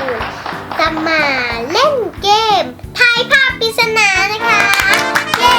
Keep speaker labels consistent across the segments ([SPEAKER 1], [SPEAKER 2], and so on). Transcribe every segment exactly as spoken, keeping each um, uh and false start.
[SPEAKER 1] นจะมาเล่นเกมทายภาพปริศนานะคะเย้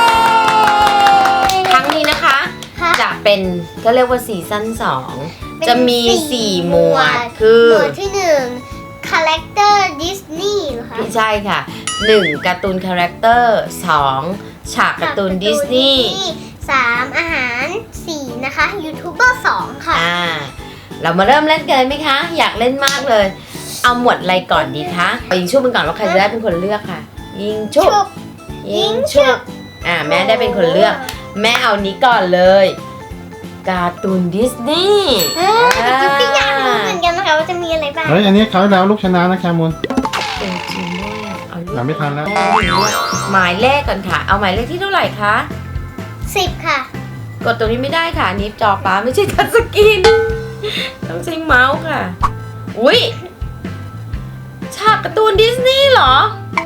[SPEAKER 2] ครั้งนี้นะคะจะเป็นก็เรียกว่าซีซั่นสองจะมีสี่หมวดคือ
[SPEAKER 1] หมวดที่หนึ่งคาแรคเตอร์ดิสนีย์เหรอคะ
[SPEAKER 2] ไม่ใช่ค่ะหนึ่งการ์ตูนคาแรคเตอร์สองฉากการ์ตูนดิสนีย์
[SPEAKER 1] สามอาหารสี่นะคะยูทูบเบอร์สองค่ะ
[SPEAKER 2] อ่าเรามาเริ่มเล่นกันเลยไหมคะอยากเล่นมากเลยเอาหมวดอะไรก่อนดีคะยิงชุบมันก่อนว่าใครจะได้เป็นคนเลือกค่ะยิงชุบยิงชุบอ่าแม่ได้เป็นคนเลือกแม่เอานี้ก่อนเลยการ์ตูนดิสนีย์
[SPEAKER 1] เออจิ๊บก็อยากรู้เหมือนกันนะคะว่าจะมีอะไรบ้าง
[SPEAKER 3] เฮ้ยอันนี้เขาแล้วลูกชนะนะแคมูล
[SPEAKER 2] เป็นจริงด้วยเอาลูก
[SPEAKER 3] ไม่ทันแล้ว
[SPEAKER 2] หมายเลขก่อนค่ะเอาหมายเลขที่เท่าไหร่คะ
[SPEAKER 1] สิบค่ะ
[SPEAKER 2] กดตรงนี้ไม่ได้ค่ะนี่จอป้าไม่ใช่ทัชสกรีนต้องใช้เมาส์ค่ะอุ้ยฉากการ์ตูนดิสนีย์เหรอ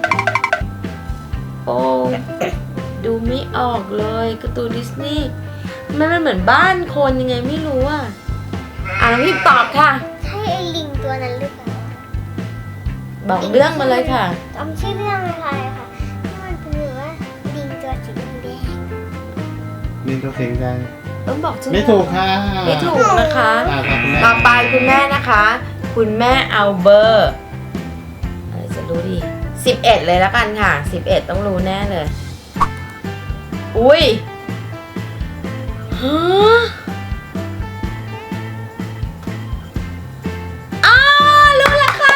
[SPEAKER 2] โอ้ดูไม่ออกเลยการ์ตูนดิสนีย์มันมันเหมือนบ้านคนยังไงไม่รู้อ่ะอ่ะน้องพิมตอบค่ะ
[SPEAKER 1] ใช่ไอ้ลิงตัวนั้นหรือเปล่า
[SPEAKER 2] บอกเรื่องมาเลยค่ะ
[SPEAKER 1] จำชื่อเรื่องไม่ได้ค่ะที่มันเป็นแบบว่าลิงตัวสีแดง
[SPEAKER 3] ลิงตัวสีแดง
[SPEAKER 2] ต้องบอกชื่อ
[SPEAKER 3] ไม่ถูกค่ะ
[SPEAKER 2] ไม่ถูกนะคะต่อไปคุณแม่นะคะคุณแม่เอาเบอร์อะไรจะรู้ดีสิบเอ็ดเลยแล้วกันค่ะสิบเอ็ดต้องรู้แน่เลยอุ้ยฮะอ้าวรู้แล้วค่ะ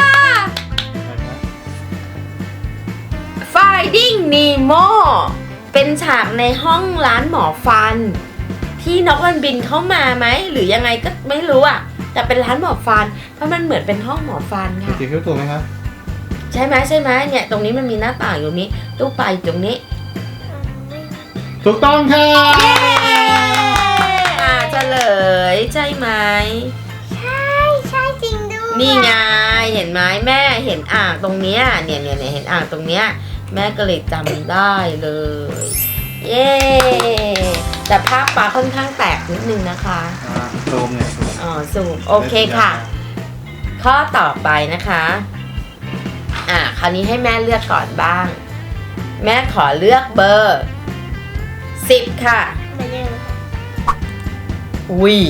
[SPEAKER 2] Finding Nemo เป็นฉากในห้องร้านหมอฟันที่นกมันบินเข้ามาไหมหรือยังไงก็ไม่รู้อ่ะแต่เป็นร้านหมอฟันเพราะมันเหมือนเป็นห้องหมอฟันค่ะ
[SPEAKER 3] จริงๆถูกไหมครับ
[SPEAKER 2] ใช่ไหมใช่ไหมเนี่ยตรงนี้มันมีหน้าต่างอยู่นี้ตู้ปลาอยู่ตรงนี้
[SPEAKER 3] ถูกต้องค่ะ
[SPEAKER 2] เย้อ่าเฉลยใช่ไหม
[SPEAKER 1] ใช่ใช่จริงด้วย
[SPEAKER 2] นี่ไงเห็นไหมแม่เห็นอ่างตรงเนี้ยเนี่ยเนี่ยเนี่ยเห็นอ่างตรงเนี้ยแม่ก็เลยจำได้เลยเย้แต่ภาพปลาค่อนข้างแตกนิดนึงนะคะ
[SPEAKER 3] ซูมเนี่ย
[SPEAKER 2] อ๋อซูมโอเคค่ะข้อต่อไปนะคะอ่าคราวนี้ให้แม่เลือกก่อนบ้างแม่ขอเลือกเบอร์สิบค่ะ
[SPEAKER 1] มาเร็ว
[SPEAKER 2] อุ้ย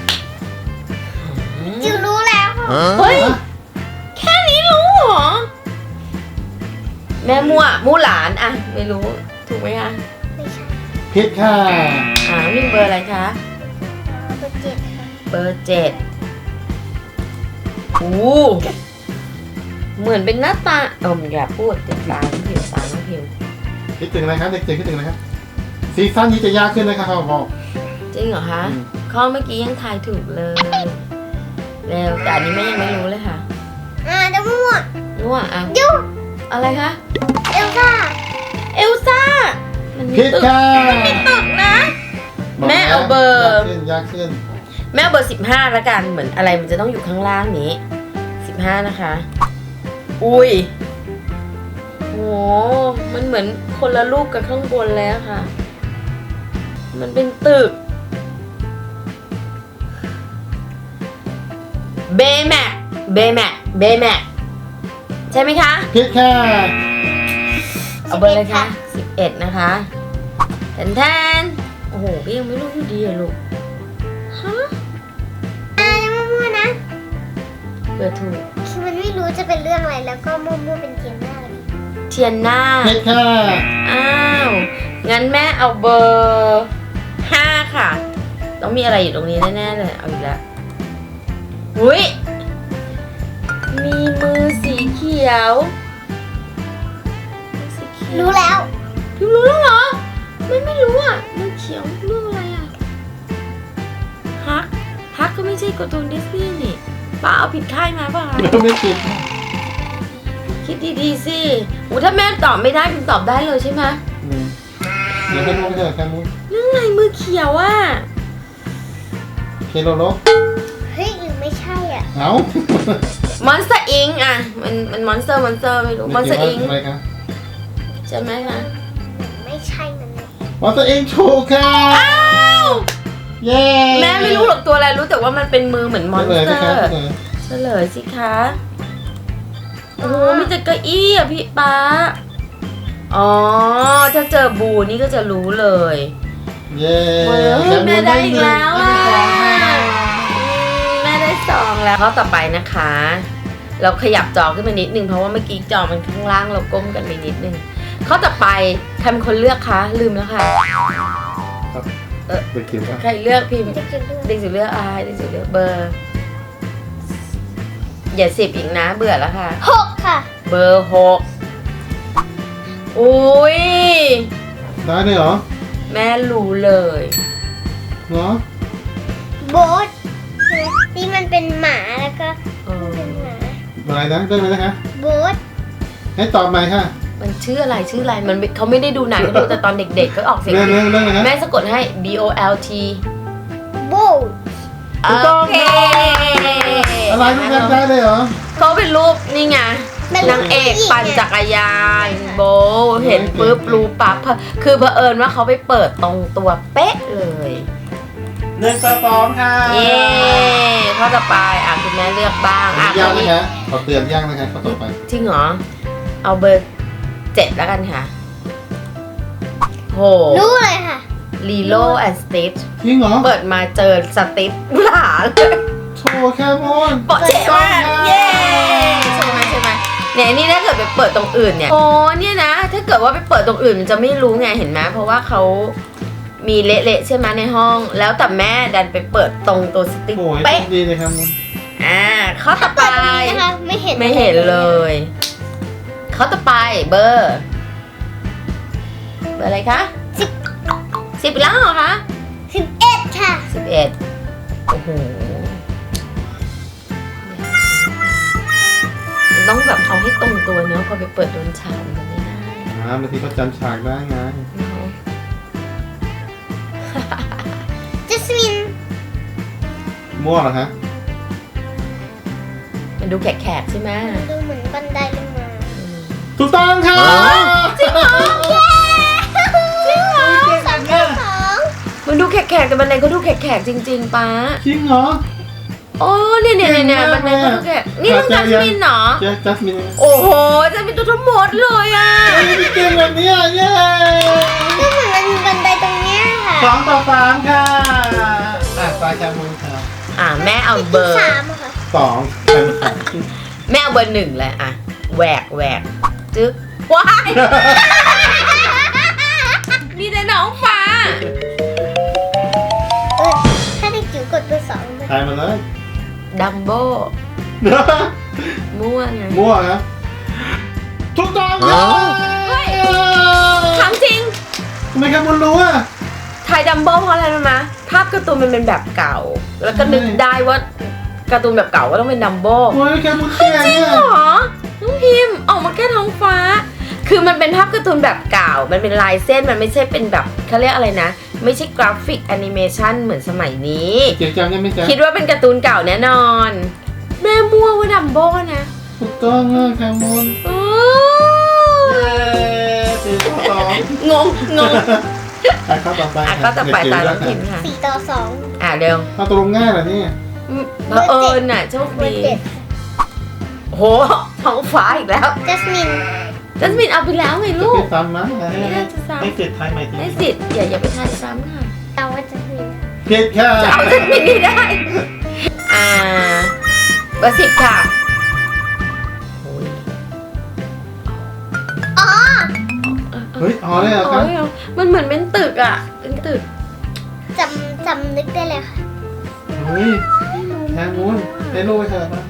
[SPEAKER 1] จิ๋วรู้แล้ว
[SPEAKER 2] เฮ้ยแค่นี้รู้เหรอแม่มั่วมู่หลานอะไม่รู้ถูกไหมคะ
[SPEAKER 1] ไม่ใช่
[SPEAKER 3] ผิดค่ะ
[SPEAKER 2] อ่าวิ่งเบอร์อะไรคะ
[SPEAKER 1] เบอร์เจ็ดค่ะ
[SPEAKER 2] เบอร์เจ็ดโอ้เหมือนเป็นหน้าตาเอออย่าพูดติดตาน้องผิวตาน้องผิว
[SPEAKER 3] คิดถึงอะไรครับเด็กๆคิดถึงอะไรครับซีซั่นนี้จะยากขึ้นนะครับเขาบอก
[SPEAKER 2] จริงเหรอคะข้อเมื่อกี้ยังทายถูกเลยเร็วแต่อันนี้แม่ยังไม่รู้เลยค่ะ
[SPEAKER 1] อ่าจะมั่ว
[SPEAKER 2] มั่วอ่ะ
[SPEAKER 1] ยู
[SPEAKER 2] อะไรคะ
[SPEAKER 1] เอลซ่า
[SPEAKER 2] เอลซ่ามันมีตึกมันมีตึกนะแม่เอาเบอร์
[SPEAKER 3] ยากขึ้น
[SPEAKER 2] แม่เอาเบอร์สิบห้าละกันเหมือนอะไรมันจะต้องอยู่ข้างล่างนี้สิบห้านะคะอุ้ยโหมันเหมือนคนละรูปกับข้างบนแล้วค่ะมันเป็นตึกเบแม็กเบแม็กเบแม็กใช่ไหมคะ
[SPEAKER 3] ผิดค่ะ
[SPEAKER 2] เอาเบอร์เลยค่ะสิบเอ็ดนะคะแทนแทนโอ้โหก็ยังไม่รู้อยู่ดีอะลูกฮะ
[SPEAKER 1] อ่ายังมั่วๆนะ
[SPEAKER 2] เบอร์ถูก
[SPEAKER 1] คือมันไม่รู้จะเป็นเรื่องอะไรแล้วก็มั่วๆเป็นเทียนหน้าเลย
[SPEAKER 2] เทียนหน้า
[SPEAKER 3] ผิดค่ะ
[SPEAKER 2] อ้าวงั้นแม่เอาเบอร์ห้าค่ะต้องมีอะไรอยู่ตรงนี้แน่ๆเลยเอาอีกแล้วหุ้ยมีมือสีเขียว
[SPEAKER 1] รู้แล้ว
[SPEAKER 2] พี่รู้แล้วเหรอไม่ไม่รู้อ่ะมือเขียวเรื่องอะไรอ่ะฮักฮักก็ไม่ใช่การ์ตูนดิสนีย์นี่ป้าเอาผิดค่ายมาป่ะ
[SPEAKER 3] ไม่ผิด
[SPEAKER 2] คิดดีๆสิโอ้ถ้าแม่ตอบไม่ได้พิมตอบได้เลยใช่ไหม
[SPEAKER 3] เดี๋ยวให้รู้ไม่ใช่แค่รู้
[SPEAKER 2] เรื่องอะไรมือเขียวอ่ะ
[SPEAKER 3] เคโลโล
[SPEAKER 1] เฮ้ยหรือไม่ใช่อ่ะ
[SPEAKER 3] เอ้าม
[SPEAKER 2] อนสเตอร์อิงอ่ะมันมันมอนสเตอร์มอนสเตอร์ไม่รู้มอนสเตอร์อิงใช่ไหมคะ
[SPEAKER 1] ไม่ใช่นั่นเลย
[SPEAKER 3] มอนสเตอร์อิงถูกค่ะ
[SPEAKER 2] อ้าว
[SPEAKER 3] เย้
[SPEAKER 2] แม่ไม่รู้หรอกตัวอะไรรู้แต่ว่ามันเป็นมือเหมือนมอนสเตอร์เฉลยสิคะโอ้โหมีแต่เก้าอี้อ่ะพี่ป๊าอ๋อถ้าเจอบูนี่ก็จะรู้เลย
[SPEAKER 3] เย้
[SPEAKER 2] เฮ้ยแม่ได้อีกแล้วอ่ะแม่ได้สองแล้วข้อต่อไปนะคะ เราขยับจอขึ้นมานิดนึงเพราะว่าเมื่อกี้จอมันข้างล่างเราก้มกันไปนิดนึงข้อต่อไปใครเป็นคนเลือกคะลืมแล้วค่ะ
[SPEAKER 3] ครับ
[SPEAKER 2] เออ
[SPEAKER 3] เด็กเขียวครับ
[SPEAKER 2] ใครเลือกพิมพ์
[SPEAKER 1] จะกินด้วย
[SPEAKER 2] เด็กสิวเลือกอะไรเด็กสิวเลือกเบอร์ อย่าสิบอีกนะเบื่อแล้วค่ะ
[SPEAKER 1] หกค่ะ
[SPEAKER 2] เบอร์หกอุ้ย
[SPEAKER 3] ได้เลยเหรอ
[SPEAKER 2] แม่รู้เลย
[SPEAKER 3] เนาะ
[SPEAKER 1] โบ๊ทที่มันเป็นหมาแล้วก็
[SPEAKER 2] เออ
[SPEAKER 1] เป็นหมา
[SPEAKER 3] อะไรนะได้ไหมนะคะ
[SPEAKER 1] โบ๊ท
[SPEAKER 3] ให้ตอบใหม่ค่ะ
[SPEAKER 2] มันชื่ออะไรชื่ออะไรมันไม่เขาไม่ได้ดูหนังเขาดูแต่ตอนเด็กๆก็ออกเสียง
[SPEAKER 3] เรื่องเรื่องเรื่องอะไร
[SPEAKER 2] แม่
[SPEAKER 3] ฮะ
[SPEAKER 2] สะกดให้ B O L T
[SPEAKER 1] โบ๊ท
[SPEAKER 3] ถูกต้อง
[SPEAKER 2] โอเค
[SPEAKER 3] อะไรทุกท่านได้เลยเหรอ
[SPEAKER 2] เขาเป็นรูปนี่ไงนางเอกปั่นจักรยานโบเห็นปุ๊บรู้ปั๊บคือเผอิญว่าเขาไปเปิดตรงตัวเป๊ะเลย
[SPEAKER 3] หนึ่งต่อสองค่ะ
[SPEAKER 2] เย้ข้อต่อไปอ่ะคุณแม่เลือกบ้างอ่ะ
[SPEAKER 3] ย่าง
[SPEAKER 2] คน
[SPEAKER 3] นะ
[SPEAKER 2] นี้
[SPEAKER 3] คะขอเตือนย่างนะคะข้อต่อไป
[SPEAKER 2] จริงเหรอ เอาเบอร์เจ็ดแล้วกันค่ะโห
[SPEAKER 1] รู้เลยค่ะ
[SPEAKER 2] ลีโลแอนด์สติช
[SPEAKER 3] จริงเหรอ
[SPEAKER 2] เปิดมาเจอสติชหลาเลย
[SPEAKER 3] โชว์แคมอน
[SPEAKER 2] เปาะเจ๋มากเย้ใช่ไหมใช่ไหมเนี่ยนี่ถ้าเกิดไปเปิดตรงอื่นเนี่ยโอ้เนี่ยนะ ถ้าเกิดว่าไปเปิดตรงอื่นมันจะไม่รู้ไงเห็นไหมเพราะว่าเขามีเละๆใช่ไหมในห้อง แล้วแต่แม่ดันไปเปิดตรงตัวสติ๊ก
[SPEAKER 3] โอ้ย
[SPEAKER 2] เป๊ะ
[SPEAKER 3] ดีเลยครับมน
[SPEAKER 2] อ่าข้อต่อไป
[SPEAKER 1] เปิดตรงนี้นะคะไม่เห็น
[SPEAKER 2] ไม่เห็นเลยข้อต่อไปเบอร์ เบอร์อะไรคะสิบสิบแล้วเหรอคะ
[SPEAKER 1] สิบเอ็ดค่ะ
[SPEAKER 2] สิบเอ็ดโอ้โหมันต้องแบบเอาให้ตรงตัวเนาะพอไปเปิดโดนฉากมันไม่ได้
[SPEAKER 3] อ่าบางทีเขาจำฉากได้ไง
[SPEAKER 2] เนาะ
[SPEAKER 1] จัสมิน
[SPEAKER 3] มั่วเหรอฮะ
[SPEAKER 2] มันดูแขกๆใช่ไหม
[SPEAKER 1] ดูเหมือนบันไดลงมา
[SPEAKER 2] อืม
[SPEAKER 3] ถูกต้องค่ะ
[SPEAKER 2] จริงเหรอ
[SPEAKER 1] จริงเหรอสามต่อสอง
[SPEAKER 2] มันดูแขกๆแต่บันไดเขาดูแขกๆจริงๆป้า
[SPEAKER 3] จริงเหรอ
[SPEAKER 2] โอ้เนี่ยเนี่ยเนี่ยเนี่ยบันไดเขาดูแขกนี่ต้องจัสมินเหรอ
[SPEAKER 3] เจ๊จัสมิน
[SPEAKER 2] โอ้โหจัสมินตัวทั้งหมดเลยอ่ะ
[SPEAKER 3] มีเกมแบบนี้อ่ะเย้
[SPEAKER 1] ก็เหมือนมันมีบันไดตรงเนี้ยค่ะ
[SPEAKER 3] สองต่อสามค่ะอ่ะตาแคมอนค่ะ
[SPEAKER 2] อ่ะแม่เอาเบอร์
[SPEAKER 1] สามอะค่ะ
[SPEAKER 3] สองเป็นสอง
[SPEAKER 2] แม่เอาเบอร์หนึ่งเลยอ่ะแหวกแหวกจึ๊กว้าย มีแต่น้องฟ้า
[SPEAKER 1] เออถ้าได้จิ๋วกดเบอร์สองมัน
[SPEAKER 3] ทายมาเลย
[SPEAKER 2] ดัมโบม่วงไง
[SPEAKER 3] มั่วครับถูกต้องค่ะ
[SPEAKER 2] เฮ้ย ถามจริง
[SPEAKER 3] ทำไมแคมอนรู้อ่ะ
[SPEAKER 2] ไทยดัมโบเพราะอะไรรู้ไหมภาพการ์ตูนมันเป็นแบบเก่า แล้วก็นึกได้ว่าการ์ตูนแบบเก่าก็ต้องเป็นดัมโบ
[SPEAKER 3] โอ้ยแคมอนเก่ง
[SPEAKER 2] จริง
[SPEAKER 3] เนี่ย
[SPEAKER 2] เหรอ น้องพิมพ์ออกมาแค่ท้องฟ้า คือมันเป็นภาพการ์ตูนแบบเก่า มันเป็นลายเส้น มันไม่ใช่เป็นแบบเขาเรียกอะไรนะ ไม่ใช่กราฟิกแอนิเมชันเหมือนสมัยนี้
[SPEAKER 3] เจ๋งจังใช่ไหมจ๊ะ
[SPEAKER 2] คิดว่าเป็นการ์ตูนเก่าแน่นอน แม่มั่วว่าดัมโบนะ
[SPEAKER 3] ถูกต้องอ่ะแคมอน
[SPEAKER 2] โอ้
[SPEAKER 3] เย้สี่ต่อสอง
[SPEAKER 2] งงงง
[SPEAKER 3] อ่ะข้อต่อไป
[SPEAKER 2] อ่ะก็ต่อไปตาน้องพิมพ์ค่ะ
[SPEAKER 1] สี่ต่อสอง
[SPEAKER 2] อ่ะเร็ว
[SPEAKER 3] เอาตรงง่ายเหรอเนี่ย
[SPEAKER 2] เผอิญน่ะโชค
[SPEAKER 1] เบอ
[SPEAKER 2] ดี
[SPEAKER 1] ร์เจ็ด
[SPEAKER 2] โหท้องฟ้าอีกแล้ว
[SPEAKER 1] จัสมิน
[SPEAKER 2] จัสมินเอาไปแล้วไง
[SPEAKER 3] จะ
[SPEAKER 2] ลู
[SPEAKER 3] ไป
[SPEAKER 2] ก
[SPEAKER 3] ซ้ำนะ
[SPEAKER 2] ไม่น่าจะซ้ำ
[SPEAKER 3] ให้เสร็จทายใหม่ที
[SPEAKER 2] ได้สิทธิ์อย่าอย่าไปทายซ้ำค่ะ
[SPEAKER 1] เอาว่าจัสมิน
[SPEAKER 3] ผิดค่ะ
[SPEAKER 2] จะเอาจัสมินให้ได้ อ่าเบอร์สิบค่ะโอ้ย
[SPEAKER 1] อ๋อ
[SPEAKER 3] เฮ้ยอ๋อเลยเหรอครับ
[SPEAKER 2] โอ้ยมันเหมือนเป็นตึกอ่ะ เป็นตึก
[SPEAKER 1] จำจำนึกได้เลยค่ะ
[SPEAKER 3] เฮ้ยแคมูนได้รู้ไปเถอะนะ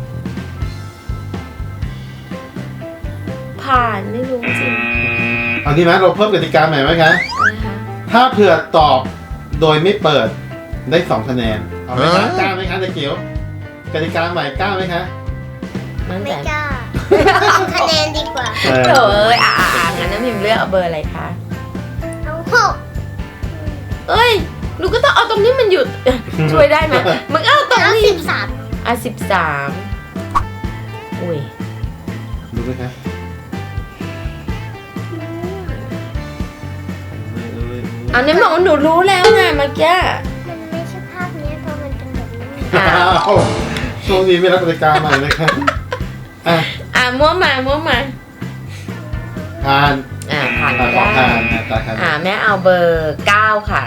[SPEAKER 2] ผ่านไม่รู้จริง
[SPEAKER 3] เอาดีไหมเราเพิ่มกติกาใหม่ไหมคะ
[SPEAKER 2] นะคะ
[SPEAKER 3] ถ้าเผื่อตอบโดยไม่เปิดได้สองคะแนน เอาไหมคะกล้าไหมคะตะเกียวกติกาใหม่กล้าไหมคะ
[SPEAKER 2] มั่น
[SPEAKER 1] ไม่
[SPEAKER 2] ใจ
[SPEAKER 1] กล้าเอาคะแนนดีกว่า
[SPEAKER 3] เออ
[SPEAKER 2] เถอะเอ้ยอ่ะอ่ะอ่ะงั้นน้ำพิมพ์เลือกเอาเบอร์อะไรคะ
[SPEAKER 1] เอาหก
[SPEAKER 2] เอ้ยหนูก็ต้องเอาตรงนี้มันหยุด ช่วยได้ไหมมันก็เอาตรง
[SPEAKER 1] เอา
[SPEAKER 2] นี้
[SPEAKER 1] สิบสาม
[SPEAKER 2] อ่ะสิบสามอุ้ย
[SPEAKER 3] ดูไหมคะ
[SPEAKER 2] เอาเนี่ยบอกว่าหนูรู้แล้วไงเมื่อกี้
[SPEAKER 1] มันไม่ใช่ภาพเนี้ยเพราะมันเป็นแบบนี้
[SPEAKER 2] อ่ะ
[SPEAKER 3] อ้าวช่วงนี้ไม่รับกติกาใหม่เลยครับอ่ะ
[SPEAKER 2] อ่ะมั่วมามั่วมา
[SPEAKER 3] ผ่าน
[SPEAKER 2] อ่าผ่าน
[SPEAKER 3] ตา
[SPEAKER 2] ก็
[SPEAKER 3] ขอ
[SPEAKER 2] ได้
[SPEAKER 3] ผ่านนะตาครับ
[SPEAKER 2] อ่าแม่เอาเบอร์เก้าค่ะ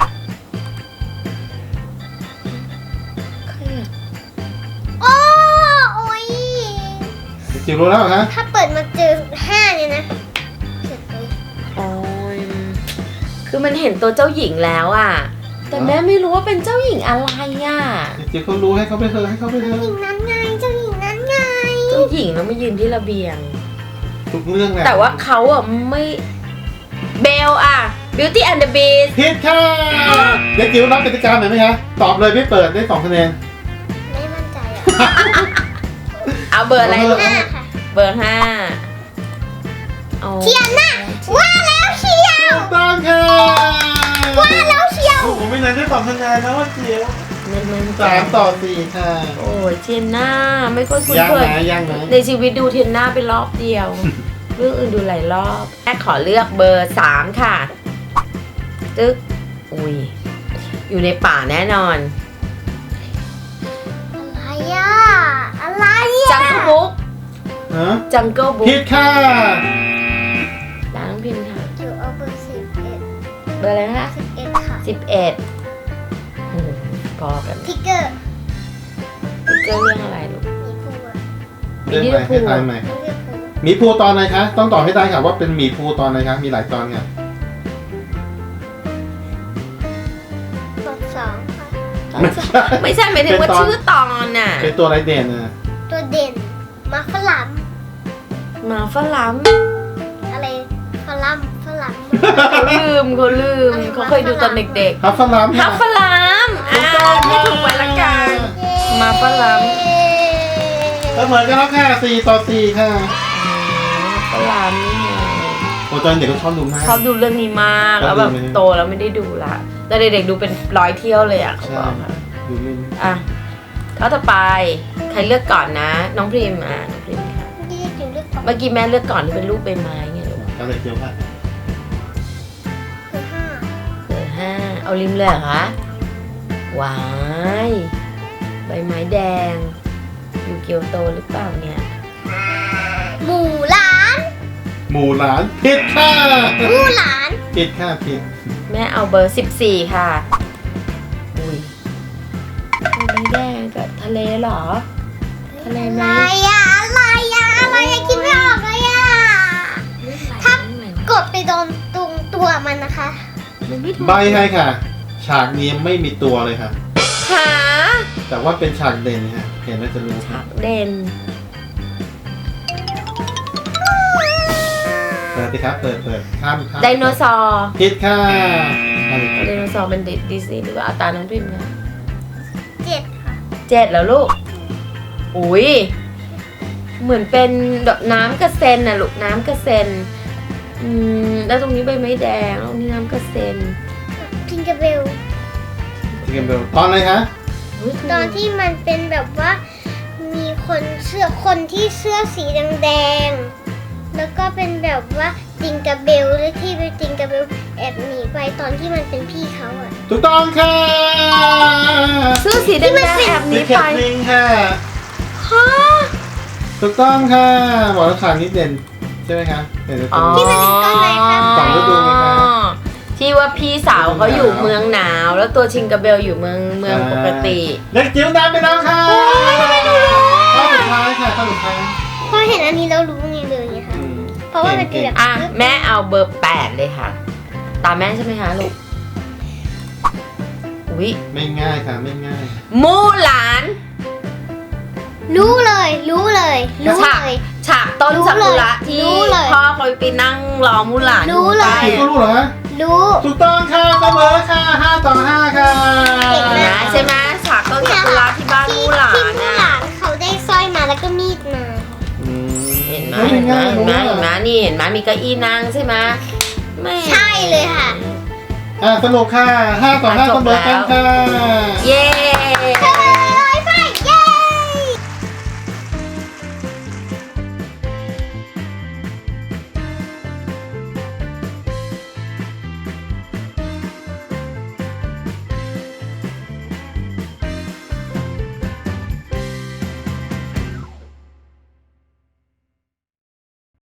[SPEAKER 1] โอ้โอ้ย
[SPEAKER 3] จิ๋วรู้แล้วเหรอฮะ
[SPEAKER 1] ถ้าเปิดมาเจอห้าเนี่ยนะเสร็จเลย
[SPEAKER 2] โอ้ยคือมันเห็นตัวเจ้าหญิงแล้วอ่ะ แต่แม่ไม่รู้ว่าเป็นเจ้าหญิงอะไรอ่ะ
[SPEAKER 3] จิ๋วเขารู้ให้เขาไปเถอะให้เขาไปเถ
[SPEAKER 1] เจ้า
[SPEAKER 3] อะ
[SPEAKER 1] หญิงนั้นไงเจ้าหญิงนั้นไง
[SPEAKER 2] เจ้าหญิงแล้วมายืนที่ระเบียง
[SPEAKER 3] ทุกเรื่องเลย
[SPEAKER 2] แต่ว่าเขาอ่ะไม่เบลอ่ะ Beauty and the Beast
[SPEAKER 3] ผิดค่ะเด็กจิ๋วรับกติกาหน่อยไหมคะตอบเลยไม่เปิดได้สองคะแนน
[SPEAKER 1] ไม่มั่นใจอ่ะ
[SPEAKER 2] เอาเบอร์อะไรลูก
[SPEAKER 1] ห้าค่ะ
[SPEAKER 2] เบอร์ห้าอา
[SPEAKER 1] เทียนน่ะว่าแล้วเชียว
[SPEAKER 3] ถูกต้องค่ะ
[SPEAKER 1] ว่าแล้วเชียว
[SPEAKER 3] โอ้โหไม่นานได้สองคะแนนนะว่าจิ๋ว
[SPEAKER 2] ไม่ไม่ไม่
[SPEAKER 3] สามต่อสี่ค่ะ
[SPEAKER 2] โอ้ยเทียนหน้าไม่ค่อยคุ้น
[SPEAKER 3] ยัง
[SPEAKER 2] เคย
[SPEAKER 3] นะยังนะ
[SPEAKER 2] ในชีวิตดูเทียนหน้าไปรอบเดียว เรื่องอื่นดูหลายรอบแม่ขอเลือกเบอร์สามค่ะ ตึ๊กอุ้ยอยู่ในป่าแน่นอน
[SPEAKER 1] อะไรอ่ะอะไร
[SPEAKER 2] จั
[SPEAKER 1] อ่ะ
[SPEAKER 2] งเกิลบุ๊ก
[SPEAKER 3] ฮะ
[SPEAKER 2] จังเกิลบุ๊
[SPEAKER 3] ผิ
[SPEAKER 2] ก
[SPEAKER 3] ดค่ะ
[SPEAKER 2] ดาน้องพิมพ์ค่ะ
[SPEAKER 1] อยู่เอาเบอร์สิบเอ็ด
[SPEAKER 2] เบอร์อะไรนะคะ
[SPEAKER 1] สิบเอ็ดค่ะ
[SPEAKER 2] สิบเอ็ดโอ้โหพอกัน
[SPEAKER 1] ทิกเกอร์
[SPEAKER 2] ติ๊กเกอร์เรื่องอะไรลูก
[SPEAKER 1] มีภูอ่ะ
[SPEAKER 3] เรื่องใหม่ให้ทายใหม่
[SPEAKER 1] ต้องเลือกภู
[SPEAKER 3] หมีภูตอนไหนคะ ต้องตอบให้ได้ค่ะว่าเป็นหมีภูตอนไหนคะ มีหลายตอนค่ะ
[SPEAKER 1] ตอนสองค่ะ
[SPEAKER 3] ไม่ใช่
[SPEAKER 2] ไม่ใช่หมายถึงว่า
[SPEAKER 3] เป็นตอน
[SPEAKER 2] ชื่อตอนน่ะ
[SPEAKER 3] เป็นตัวไรเด่นนะ
[SPEAKER 1] ตัวเด่นมาฝรั่ง
[SPEAKER 2] หมาฝรั่ง
[SPEAKER 1] อะไรฝรั่งฝรั่ง
[SPEAKER 2] เขาลืมเขาลืมเขาเคยดูตอนเด็ก
[SPEAKER 3] ฮัฟฟลัม
[SPEAKER 2] ๆฮับฝรั่งอ่าไม่ถูกไปละกัน มาฝรั่ง
[SPEAKER 3] เสมอกันแล้วค่ะสี่ต่อสี่ค่ะ
[SPEAKER 2] ฝรั่งนี่ไง
[SPEAKER 3] โอ้ตอนเด็กก็ชอบดูมาก
[SPEAKER 2] ชอบดูเรื่องนี้มากแล้วแบบ
[SPEAKER 3] ชอบดูไหม
[SPEAKER 2] โตแล้วไม่ได้ดูละแต่เด็กๆดูเป็นร้อยเที่ยวเลยอ่ะเขา
[SPEAKER 3] ใช่
[SPEAKER 2] บอกค่ะ
[SPEAKER 3] ดูเล่น
[SPEAKER 2] อ่ะเขาต่อไปใครเลือกก่อนนะ น้องพริมอ่ะน้องพริมค่ะ
[SPEAKER 1] ที่จะเลือกก่อน
[SPEAKER 2] เมื่อกี้แม่เลือกก่อนที่เป็นรูปใบไม้ไงลูก
[SPEAKER 3] ก็เลยเจียวค่ะ
[SPEAKER 1] คือห้า
[SPEAKER 2] เบอร์ห้าเอาริมเลยเหรอคะว้ายใบไม้แดง อยู่เกียวโตหรือเปล่าเนี่ย
[SPEAKER 1] หมู่หลาน
[SPEAKER 3] หมู่หลานผิดค่ะ
[SPEAKER 1] หมู่หลาน
[SPEAKER 3] ผิดค่ะผิด
[SPEAKER 2] แม่เอาเบอร์สิบสี่ค่ะอุ้ยใบไม้แดงกับทะเลเหรอ ทะเล
[SPEAKER 1] อะ
[SPEAKER 2] ไหม
[SPEAKER 1] ไรอ่ะอะไรอ่ะอะไรอ่ะคิดไม่ออกเลยอ่ะ ถ้า กดไปโดนตรงตัวมันนะคะ
[SPEAKER 2] มันไม่ถูก
[SPEAKER 3] ใบให้ค่ะ ฉากนี้ไม่มีตัวเลยค่ะ
[SPEAKER 2] หา
[SPEAKER 3] แต่ว่าเป็นฉากเด่นค่ะเห็นแล้วจะรู้
[SPEAKER 2] ฉากเด่น
[SPEAKER 3] เปิดสิครับเปิดเปิดข้ามข้าม
[SPEAKER 2] ไดโนเสาร์
[SPEAKER 3] ผิดค่ะเอาเลย
[SPEAKER 2] ไดโนเสาร์เป็นดิสนีย์หรือว่าเอาตาน้องพิมพ์นะ
[SPEAKER 1] เจ็ดค่ะ
[SPEAKER 2] เจ็ดแล้วลูก อุ้ย เหมือนเป็นดอกน้ำกระเซ็นน่ะลูกน้ำกระเซ็น อืม แล้วตรงนี้ใบไม้แดงแล้วตรงนี้น้ำกระเซ็น
[SPEAKER 1] ทิงเกอร์เบล
[SPEAKER 3] ที่กันเบลตอนอะไรคะ
[SPEAKER 2] อุ๊ย
[SPEAKER 1] ตอนที่มันเป็นแบบว่า มีคนเสื้อคนที่เสื้อสีแดงๆแล้วก็เป็นแบบว่าจิงกระเบลหรือที่เป็นจิงกระเบลแอบหนีไปตอนที่มันเป็นพี่เขาอะ
[SPEAKER 3] ถูกต้องค่ะ
[SPEAKER 2] เสื้อสีแดงๆแอบห
[SPEAKER 3] สี
[SPEAKER 2] นี
[SPEAKER 3] แค
[SPEAKER 2] ไป
[SPEAKER 3] ทลิงค่ะ
[SPEAKER 2] ฮะ
[SPEAKER 3] ถูกต้องค่ะบอกแล้วฉากนี้เด่นใช่ไหมคะเด่น
[SPEAKER 2] อ๋อ
[SPEAKER 3] ที่เป็น สองฤดูไงคะ
[SPEAKER 2] ที่ว่าพี่สาวเขาอยู่เมืองหนาว แล้วตัวชิงกาเบลอยู่เมืองเมืองปกติ
[SPEAKER 3] เด็กจิ๋วตามไปแล้วค่ะข้อสุดท้ายค่ะข้อสุดท้าย
[SPEAKER 1] พอเห็นอันนี้เรารู้ไงเลยไงคะ
[SPEAKER 3] อืม
[SPEAKER 1] เพราะว่ามันเป็นแบบ
[SPEAKER 2] อ่ะ แม่เอาเบอร์แปดเลยค่ะ ตามแม่ใช่ไหมคะลูก อุ๊ย
[SPEAKER 3] ไม่ง่ายค่ะไม่ง่าย
[SPEAKER 2] มูหลาน
[SPEAKER 1] รู้เลย รู้เลย รู้
[SPEAKER 2] ฉาก
[SPEAKER 1] เลย
[SPEAKER 2] ฉากต้น
[SPEAKER 1] รู้
[SPEAKER 2] ซากุระ
[SPEAKER 1] เลย
[SPEAKER 2] ที่
[SPEAKER 1] รู้เลย
[SPEAKER 2] พ่อเขาไปนั่งรอมูหลาน
[SPEAKER 1] รู้เลย
[SPEAKER 3] จิ๋วก็รู้เหรอฮะ
[SPEAKER 1] รู้
[SPEAKER 3] ถูกต้องค่ะเสมอค่ะห้าต่อห้าค่ะ
[SPEAKER 1] เก่ง
[SPEAKER 2] นะใช่ไหมฉากต้นซากุระที่บ้าน
[SPEAKER 1] ที่
[SPEAKER 2] มูหลา
[SPEAKER 1] ที่
[SPEAKER 2] น
[SPEAKER 1] มู
[SPEAKER 2] น่ะ
[SPEAKER 1] หลานเขาได้สร้อยมาแล้วก็มีดมา
[SPEAKER 3] อืม
[SPEAKER 2] เห็นไหม
[SPEAKER 3] ฮ้ย
[SPEAKER 2] เห็นไหม
[SPEAKER 3] ง่าย
[SPEAKER 2] เห็นไหม
[SPEAKER 3] รู้
[SPEAKER 2] เห็นไหม
[SPEAKER 3] อะ
[SPEAKER 2] นี่เห็นไหมมีเก้าอี้นั่งใช่ไหมไม่
[SPEAKER 1] ใช่เลยค่ะ
[SPEAKER 3] อ่ะสนุกค่ะห้าต่อห้า
[SPEAKER 2] อ่ะจ
[SPEAKER 3] เส
[SPEAKER 2] บ
[SPEAKER 3] มอกัน
[SPEAKER 2] แล้ว
[SPEAKER 3] ค่ะ
[SPEAKER 2] เย้